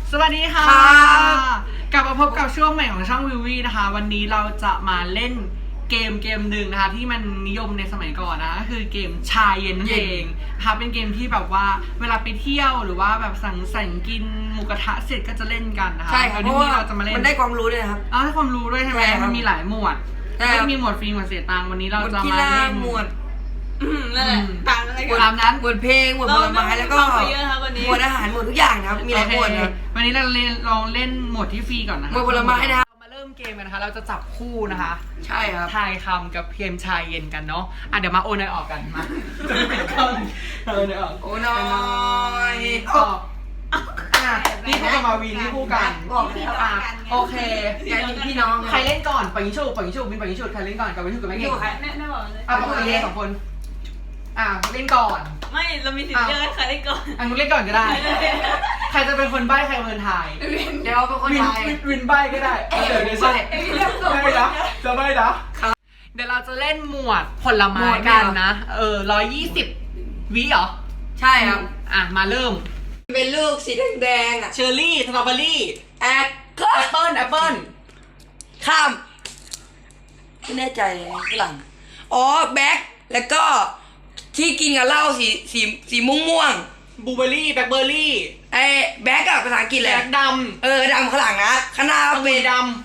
สวัสดีค่ะกลับมาพบกับช่วงใหม่ของช่องวิววี่นะคะวันนี้เราจะมาเล่นเกมหนึ่งนะคะที่มันนิยมในสมัยก่อนนะก็คือเกมชาเย็นนั่นเองนะคะเป็นเกมที่แบบว่าเวลาไปเที่ยวหรือว่าแบบสังสรรค์กินหมูกระทะเสร็จก็จะเล่นกันนะคะใช่ครับเพราะว่าเราจะมาเล่นมันได้ความรู้ด้วยครับให้ความรู้ด้วยใช่ไหมมันมีหลายหมวดไม่มีหมวดฟรีหมวดเสียตังค์วันนี้เราจะมาเล่นหมวดนั่นแหละต่างอะไรกันตามนั้นหมวดเพลงหมวดผลไม้แล้วก็หมวดอาหารหมวดทุกอย่างนะครับมีหลายหมวดนะวันนี้เราลองเล่นหมวดที่ฟรีก่อนนะคะหมวดผลไม้นะครับมาเริ่มเกมกันนะคะเราจะจับคู่นะคะใช่ครับทายคำกับเกมชายเย็นกันเนาะเดี๋ยวมาโอนอยออกกันมาโอนอยออกโอ้น้อยออกนี่คู่กับมาวีนี่คู่กันโอเคพี่น้องใครเล่นก่อนปังยิชูมินปังยิชูใครเล่นก่อนกับวิชูกับแม่เก่งแม่บอกเลยปกติ2 คนเล่นก่อนไม่เรามีสิทธิ์เลือกให้ใครเล่นก่อนนุ๊กเล่นก่อนก็ได้ใครจะเป็นคนใบ้ใครเป็นคนทายเดี๋ยวเป็นคนทายวินใบ้ก็ได้เดี๋ยวใช่จะใบ้นะเดี๋ยวเราจะเล่นหมวดผลไม้กันนะ120 วิเหรอใช่ครับมาเริ่มเป็นลูกสีแดงเชอร์รี่สตรอเบอรี่แอปเปิ้ลข้ามไม่แน่ใจเลยฝรั่งแบ็คแล้วก็ที่กินกับเหล้าสีม่วงบลูเบอร์รี่แบล็คเบอร์รี่แบ็คกับภาษาอังกฤษเลยแบ็คดำดำข้างหลังนะข้างหน้าเป็นดำ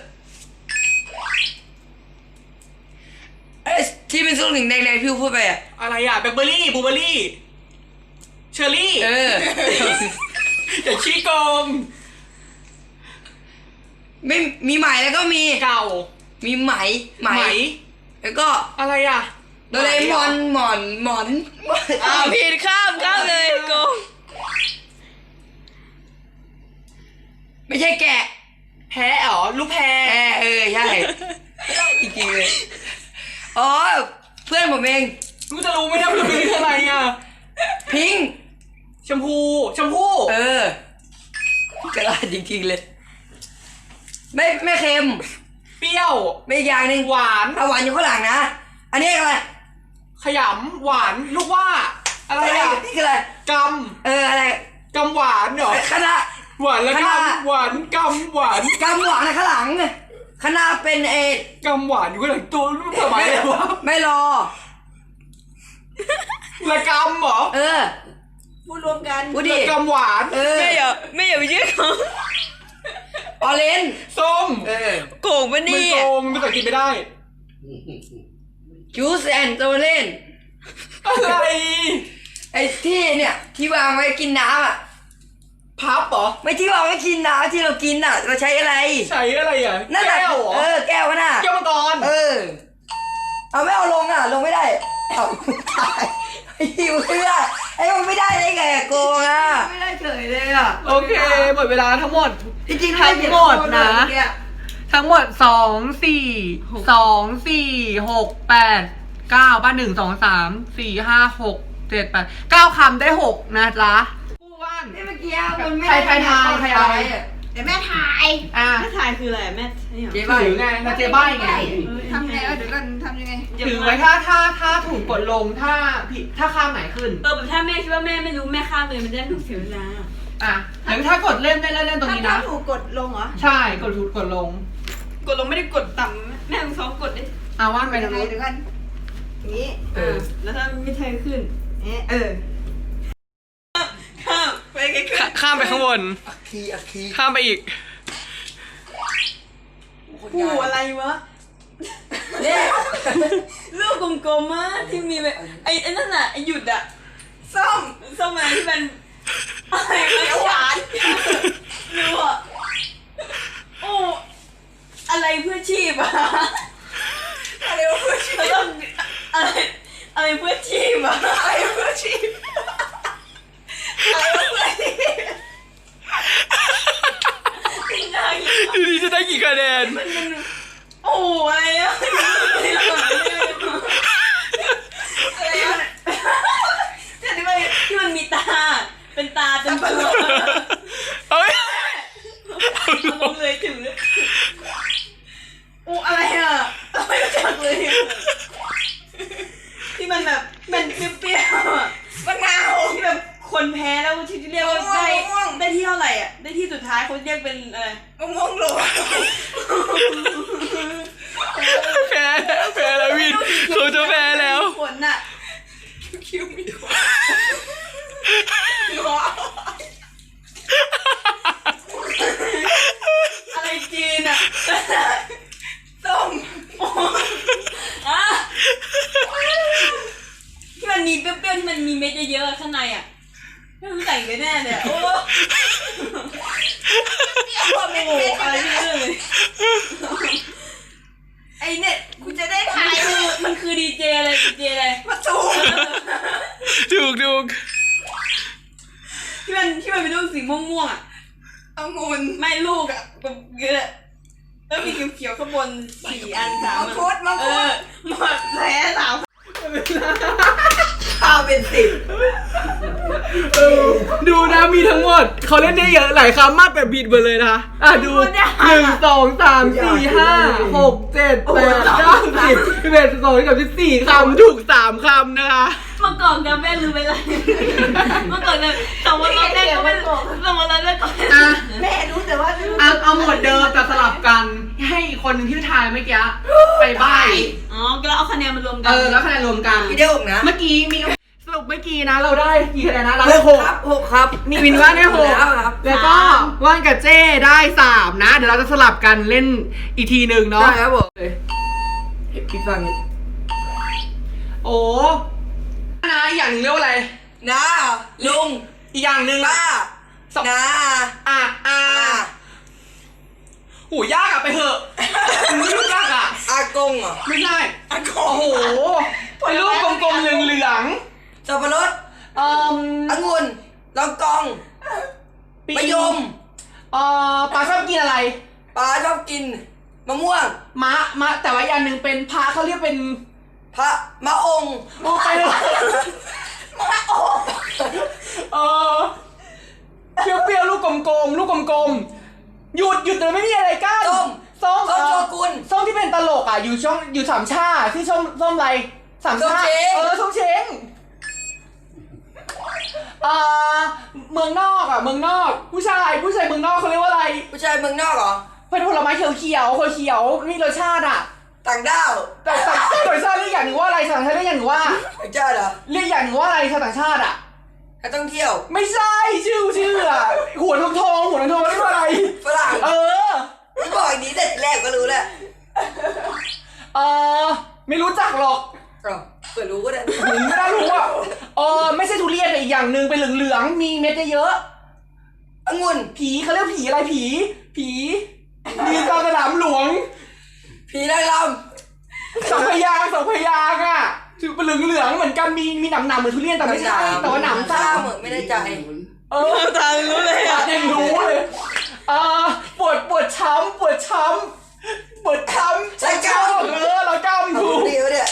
ที่เป็นส้มถึงแดงๆพี่พูดไปอะไรแบล็คเบอร์รี่บลูเบอร์รี่เชอร์รี่อย่าชี้โกงไม่มีไหมแล้วก็มีเก่ามีไหมแล้วก็อะไรโดเรมอนหมอนผิดข้ามเลยโกงไม่ใช่แกะแพ้ลูกแพรใช่จริงๆเลยเพื่อนผมเองกูจะรู้ไหมเนี่ยมันเป็นอะไรพิงชมพูกระดาษจริงๆเลยไม่เค็มเปรี้ยวไม่อย่างหนึ่งหวานอยู่ข้างหลังนะอันนี้อะไรขยำหวานลูกว่าอะไรนี่คืออะไรกำอะไรกำหวานเหรอคณะหวานแล้วกำหวานกำหวานในข้างหลังคณะเป็นกำหวานอยู่ข้างหลังตัวรู้ทำไมวะไม่รอละกำเหรอพูดรวมกันพูดดิกำหวานไม่อย่าไปยืดเขาออเรนจ์ส้มโกงปะนี่มันโกงภาษาอังกฤษไม่ได้จูสแอนด์โตเลนอะไรที่เนี่ยที่วางไว้กินน้ำพับเหรอไม่ที่วางไว้กินน้ำที่เรากินเราใช้อะไรนั่นแหละแก้วแก้วน่ะแก้วมังกรเอาไม่เอาลงลงไม่ได้ตายหิวเพื่อมันไม่ได้ได้ไงโกงไม่ได้เฉยเลยโอเคหมดเวลาทั้งหมดจริงๆทั้งหมดนะทั้งหมด2 4 2 4 6 8 9บ้าน1 2 3 4 5 6 7 8 9คำได้6นะจ๊ะคู่ว่านเมื่อกี้มันไม่ใครทายแต่แม่ทายแม่ทายคืออะไรแม่ถือไงมาเจ๊ใบ้ไงทำไงเดี๋ยวกันทำยังไงถือไว้ถ้าถูกกดลงถ้าผิดถ้าข้ามไหนขึ้นแบบถ้าแม่คิดว่าแม่ไม่รู้แม่ข้ามเลยมันจะถูกเสียเวลาหรือถ้ากดเล่นได้เล่นตรงนี้นะถ้าถูกกดลงเหรอใช่กดลงไม่ได้กดต่ำแม่ต้องซ้อมกดดิว่านไปทางนู้นเดี๋ยวกันนี้แล้วถ้าไม่เทขึ้นข้ามไปข้ามไปข้างบนข้ามไปอีกกูอะไรวะเนี่ยลูกกลมๆที่มีแบบไอ้นั่นน่ะไอ้หยุดส้มอะไรที่มันอะไรหวานรู้อะไรเพื่อชีพอะไรเพื่อชีพอะไรเพื่อชีพอะไรเพื่อชีพทีนี้จะได้กี่คะแนนอะไรที่มันมีตาเป็นตาจนตัวลงเลยถึงอะไรไม่รู้จักเลยที่มันแบบมันเปรี้ยวมะนาวที่แบบคนแพ้แล้วที่เรียกว่าได้ที่เท่าไหร่ได้ที่สุดท้ายเขาเรียกเป็นอะไรมะม่วงโรยแพ้แล้ววินเขาจะแพ้แล้วผลน่ะคิ้วมีขนอะไรจีนอ่ะส้มอ่ะที่มันมีเปรี้ยวๆที่มันมีเม็ดเยอะๆข้างในอ่ะไม่รู้ใส่ไปแน่เลยอะโอ้โอ้อะไรที่เรื่องเลยไอเน็ตกูจะได้มัถ่าน ยคือมันคือดีเจอะไรดีเจอะไรมาจูถูกที่มันเป็นลูกสีม่วงๆอ่ะองุ่นไม่ลูกอ่ะแบบเยอะแล้วมีเขียวๆข้างบน4 อัน3 มังคุดหมดแพ้สามข้าวเป็น10 ดูนะมีทั้งหมดเขาเล่นได้เยอะหลายคำมากแบบบิดไปเลยนะดู1 2 3 4 5 6 7 8 9 10 11 12 13 14คำถูก3คำนะคะเมื่อก่อนกับแม่ลืมไปเลยเมื่อก่อนเนี่ยแต่ว่าเราแม่ก็ไม่แต่ว่าเราแม่ก็อ่ะแม่รู้แต่ว่าเอาหมวดเดิมแต่สลับกันให้อีกคนหนึ่งที่ทายเมื่อกี้ไปใบ้อ๋อก็เอาคะแนนมารวมกันแล้วคะแนนรวมกันพี่ได้6นะเมื่อกี้มีสรุปเมื่อกี้นะเราได้กี่คะแนนนะเราได้6 ครับ6ครับนี่วินว่าได้6 แล้วครับแล้วก็ว่านกับเจ้ได้3นะเดี๋ยวเราจะสลับกันเล่นอีกทีหนึ่งเนาะได้ครับผมพี่ฟังนี่โอ้นะอีกอย่างหนึ่งเรียกว่าอะไรน้าลุงอีกอย่างหนึ่งป้าสองน้าโหยากอะไปเถอะไม่รู้ยากอะอากงเหรอไม่ใช่อากโอ้งโหเป็นรูปกลมๆเหลืองสับปะรดๆองุ่นลองกองปีมะยมปลาชอบกินอะไรปลาชอบกินมะม่วงมะแต่ว่าอย่างหนึ่งเป็นพระเขาเรียกเป็นพระมะองค์โอ้ไปเลยมะองค์เปรี้ยวๆลูกกลมๆลูกกลมๆหยุดแต่ไม่มีอะไรกั้นส้มส้มโชกุนส้มที่เป็นตลกอ่ะอยู่สามชาที่ส้มอะไรสามชาส้มเช้งส้มเช้งเมืองนอกเมืองนอกผู้ชายเมืองนอกเขาเรียกว่าอะไรผู้ชายเมืองนอกเหรอเป็นผลไม้เขียวมีรสชาติอ่ะต่างด้าวแต่ต่างชาติเรียกอย่างหนึ่งว่าอะไรชาวต่างชาติเรียกอย่างหนึ่งว่าไม่ใช่เหรอเรียกอย่างหนึ่งว่าอะไรชาวต่างชาติอ่ะนักท่องเที่ยวไม่ใช่ชื่ออ่ะหัวทองเรียกว่าอะไรฝรั่งไม่บอกอย่างนี้แต่แรกก็รู้แล้วไม่รู้จักหรอกเปิดรู้ก็ได้ไม่ได้รู้อ่ะไม่ใช่ทุเรียนแต่อีกอย่างหนึ่งเป็นเหลืองๆมีเม็ดเยอะองุ่นผีเขาเรียกผีอะไรผีมีตาสนามหลวงผีนางรสองพยางค์อ่ะคือเป็นเหลืองๆเหมือนกันมีหนำเหมือนทุเรียนแต่ไม่ใช่แต่ว่าหนำข้าซ่าเหมือนไม่ได้ใจตารู้เลยอ่ะยังรู้เลยปวดช้ำใส่กล้ามเรากล้ามถูกเดียวเนี่ย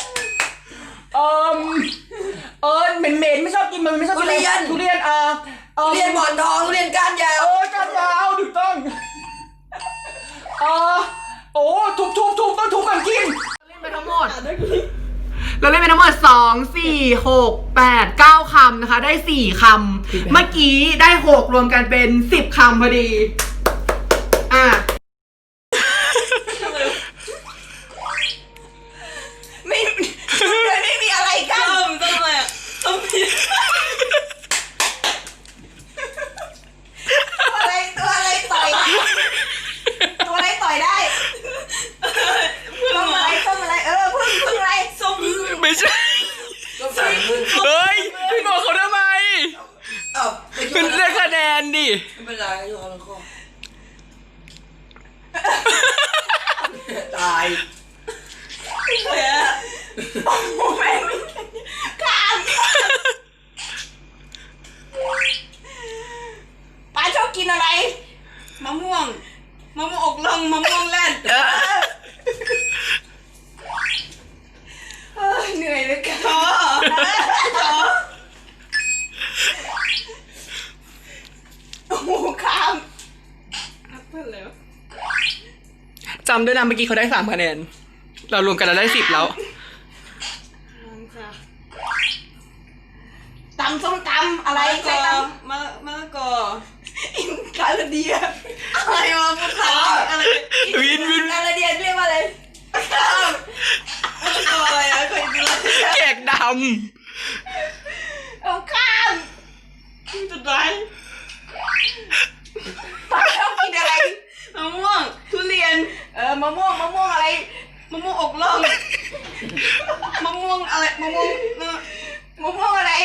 เหม็นไม่ชอบกินมันไม่ชอบกินทุเรียนทุเรียนหมอนทองทุเรียนก้านยาวก้านยาวถูกต้องทุบต้องทุบกันกินเล่นไปทั้งหมดเราเล่นไปทั้งหมด2 4 6 8 9คำนะคะได้4คำเมื่อกี้ได้6รวมกันเป็น10คำพอดีไม่มีอะไรกันต้มอะไรอ่ะต้มผิดตัวอะไรต่อยได้ต้มอะไรพึ่งอะไรส้มไม่ใช่ต้มใส่พึ่งเฮ้ยพี่บอกเขาทำไมไม่เป็นเรื่องคะแนนดิเป็นไรอยู่ข้างคอตายแม่ไม่ข้ามป้าชอบกินอะไรมะม่วงอกลงมะม่วงแล่นเหนื่อยเลยค่ะท้อโอ้โหข้ามเพื่อนแล้วจำด้วยนะเมื่อกี้เขาได้3คะแนนเรารวมกันเราได้10แล้วตำส้มตำอะไรมะละกอคาราเดียอะไรวะพุทธาอะไรวินคาราเดียเรียกว่าอะไรตัวอะไรอะเคยกินอะไรแขกดเอาข้ามจุดไรชอบกินอะไรมะม่วงทุเรียนมะม่วงอะไรมะม่วงอกล่องมะม่วงอะไรมะม่วงมะม่วงอะไร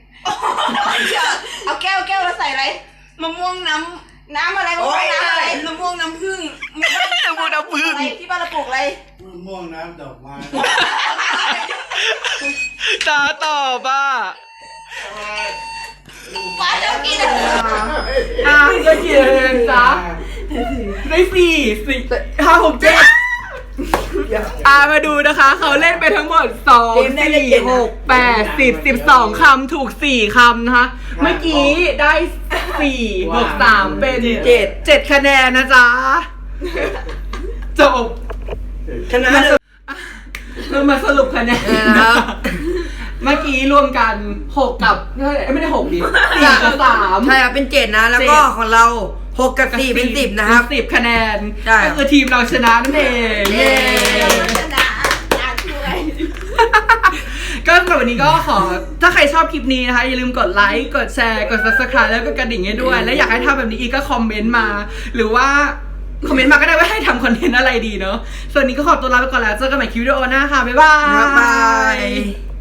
เอาแก้วแล้วใส่อะไรมะม่วงน้น้ำอะไรมะม่วงน้ำอะไรำมะม่วงน้ำผึ้งำมูดพึ่งอะไรที่บ้านเราปลูกอะไรมะม่วงน้ำดอกไม้ตาตอบอ่ะป้าชอบกินอะไรก็เขียนจ้ะได้สี่ห้าหกเจ็ดมาดูนะคะ เขาเล่นไปทั้งหมด2 4 6 8 10 12 คำถูก4 คำนะคะ เมื่อกี้ได้4บวก3เป็น7คะแนนนะจ๊ะ จบชนะเรามาสรุปคะแนนนะครับเมื่อกี้รวมกัน6กับไม่ได้6ดิ4กับ3 ใช่ครับเป็น7นะแล้วก็ของเรา6กับ4เป็น10นะครับ 10 คะแนนใช่ก็คือทีมเราชนะนั่นเองเย้ชนะอ่านช่วยก็สำหรับวันนี้ก็ขอถ้าใครชอบคลิปนี้นะคะ อย่าลืมกดไลค์กดแชร์กด subscribe แล้วก็กระดิ่งให้ด้วย และอยากให้ทำแบบนี้อีกก็คอมเมนต์มา หรือว่าคอมเมนต์มาก็ได้ว่าให้ทำคอนเทนต์อะไรดีเนาะส่วนนี้ก็ขอตัวลาไปก่อนแล้วเจอกันใหม่คลิปวิดีโอหน้าค่ะบ๊ายบายบ๊ายบาย